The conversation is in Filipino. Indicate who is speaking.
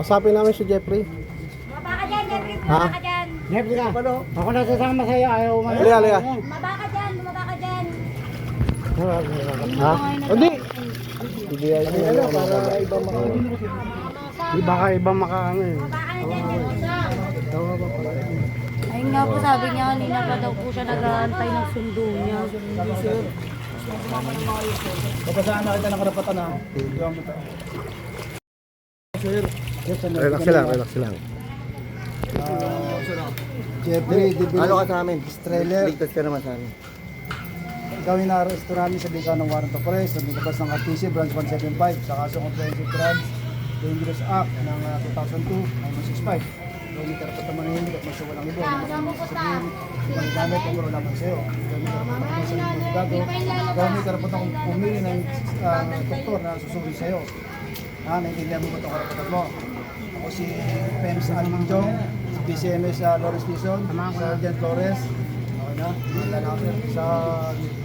Speaker 1: Kasapin namin si Jeffrey.
Speaker 2: Maba ka dyan, Jeffrey.
Speaker 1: Ha?
Speaker 2: Maba ka dyan.
Speaker 3: Jeffrey ka. Ako nasasama sa'yo. Ayaw mo.
Speaker 1: Halika, halika.
Speaker 2: Maba ka dyan, maba ka dyan.
Speaker 1: Ha? Hindi. Hindi ay ano para iba
Speaker 3: Baka ibang makaano eh.
Speaker 2: Maba ka na dyan, Jeffrey.
Speaker 4: Ayun nga po, sabi niya kanina pa daw po siya nag-aantay ng sundo niya.
Speaker 3: Kapasaan na kita ng karapatan ha.
Speaker 1: Relax lang, relax lang.
Speaker 5: Jeffrey,
Speaker 1: Ano ka sa amin?
Speaker 5: trailer.
Speaker 1: Ligtas ka naman sa amin.
Speaker 5: Ikaw yung na-arresto namin sa bika ng warrant of arrest sa labas ng RTC branch 175 sa kaso comprehensive drugs dangerous act ng 2002-965. Gawin yung karapat na manahimik at masya walang ibo. Sabihin, ibang gamit ang wala lamang sa'yo. Gawin yung karapat na sa mga gago. Gawin yung karapat na pumili ng doktor na susuri sa'yo. Naintindihan mo ba itong karapatan mo? Ako si Pems Almanjong, si PCMS Lawrence Tison, Sergeant Flores. Okay na? Sa